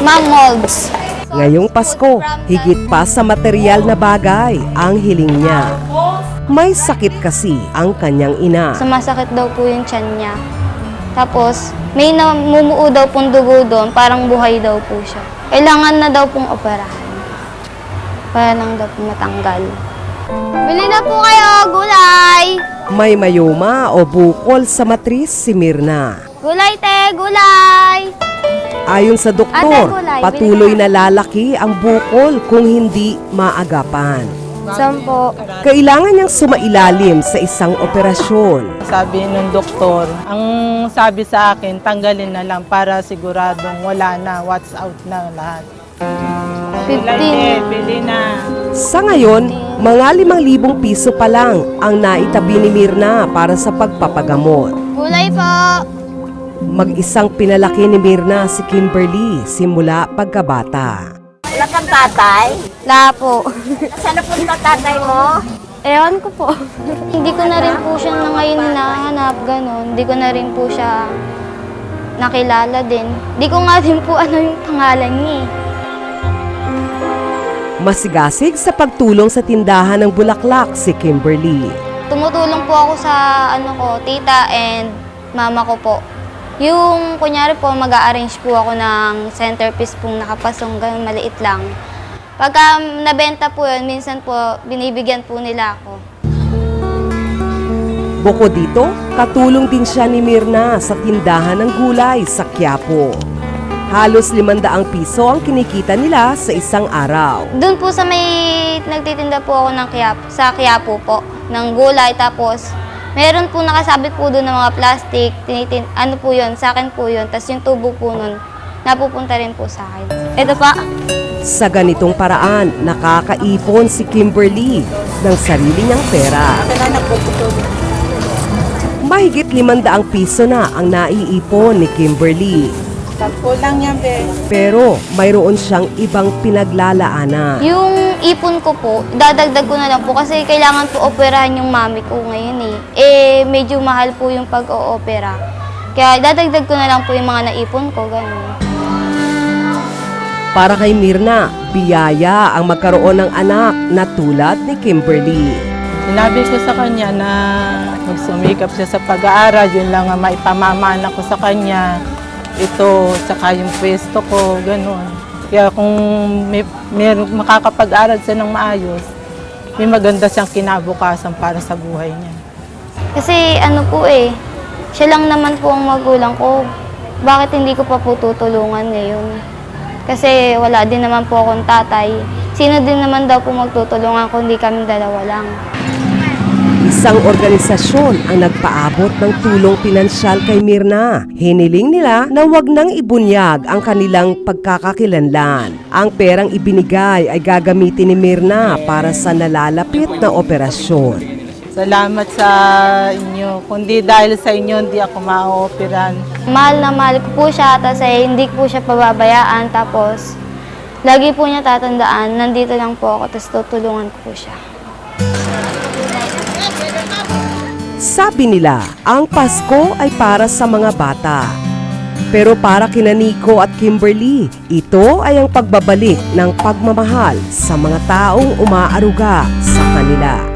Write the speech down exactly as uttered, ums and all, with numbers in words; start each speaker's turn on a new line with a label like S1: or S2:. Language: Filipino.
S1: Ma'am Molds.
S2: Ngayong Pasko, higit pa sa material na bagay ang hiling niya. May sakit kasi ang kanyang ina.
S1: Sumasakit daw po yung tiyan niya. Tapos, may namumuo daw pong dugo doon, parang buhay daw po siya. Kailangan na daw pong operahan. Para lang daw po matanggal. Bili na po kayo, gulay!
S2: May mayoma o bukol sa matris si Mirna.
S1: Gulay, te! Gulay!
S2: Ayon sa doktor,
S1: Ate, gulay,
S2: patuloy
S1: bili
S2: na lalaki ang bukol kung hindi maagapan.
S1: Sampo.
S2: Kailangan niyang sumailalim sa isang operasyon.
S3: Sabi ng doktor, ang sabi sa akin, tanggalin na lang para siguradong wala na, watch out na lahat.
S1: fifteen.
S3: Pili na.
S2: Sa ngayon, mga limang libong piso pa lang ang naitabi ni Mirna para sa pagpapagamot.
S1: Gulay po!
S2: Mag-isang pinalaki ni Mirna si Kimberly simula pagkabata.
S4: Wala kang tatay?
S1: La po.
S4: Saan na punta tatay mo?
S1: Ewan ko po. Hindi ko na rin po siya na ngayon hinahanap, gano'n. Hindi ko na rin po siya nakilala din. Hindi ko nga din po ano yung pangalan niya eh.
S2: Masigasig sa pagtulong sa tindahan ng bulaklak si Kimberly.
S1: Tumutulong po ako sa ano ko, tita and mama ko po. Yung kunyari po, mag-a-arrange po ako ng centerpiece pong nakapasong, ganun maliit lang. Pagka nabenta po yun, minsan po binibigyan po nila ako.
S2: Bukod dito, katulong din siya ni Mirna sa tindahan ng gulay sa Quiapo. Halos limandaang piso ang kinikita nila sa isang araw.
S1: Doon po sa may nagtitinda po ako ng Quiapo, sa Quiapo po, ng gulay. Tapos meron po nakasabit po doon ng mga plastic, tinitin, ano po yun, sa akin po yun. Tapos yung tubo po nun, napupunta rin po sa akin. Ito pa.
S2: Sa ganitong paraan, nakakaipon si Kimberly ng sarili niyang pera. Mahigit limandaang piso na ang naiipon ni Kimberly.
S3: Sampo lang yan, be.
S2: Pero mayroon siyang ibang pinaglalaanan.
S1: Yung ipon ko po, dadagdag ko na lang po kasi kailangan po operahan yung mami ko ngayon eh. Eh, medyo mahal po yung pag-o-opera. Kaya dadagdag ko na lang po yung mga naipon ko, ganun.
S2: Para kay Mirna, biyaya ang magkaroon ng anak na tulad ni Kimberly.
S3: Sinabi ko sa kanya na magsumikap siya sa pag-aaral, yun lang ang maipamamana ko sa kanya. Ito, tsaka yung pwesto ko, gano'n. Kaya kung may, may makakapag-aral siya ng maayos, may maganda siyang kinabukasan para sa buhay niya.
S1: Kasi ano po eh, siya lang naman po ang magulang ko. Bakit hindi ko pa po tutulungan ngayon? Kasi wala din naman po akong tatay. Sino din naman daw po magtutulungan kung hindi kami dalawa lang?
S2: Isang organisasyon ang nagpaabot ng tulong pinansyal kay Mirna. Hiniling nila na wag nang ibunyag ang kanilang pagkakakilanlan. Ang perang ibinigay ay gagamitin ni Mirna para sa nalalapit na operasyon.
S3: Salamat sa inyo. Kundi dahil sa inyo, hindi ako ma-operan.
S1: Mahal na mahal ko po siya, tapos eh, hindi ko po siya pababayaan. Tapos, lagi po niya tatandaan, nandito lang po ako, tapos tutulungan ko po siya.
S2: Sabi nila, ang Pasko ay para sa mga bata. Pero para kina Nico at Kimberly, ito ay ang pagbabalik ng pagmamahal sa mga taong umaaruga sa kanila.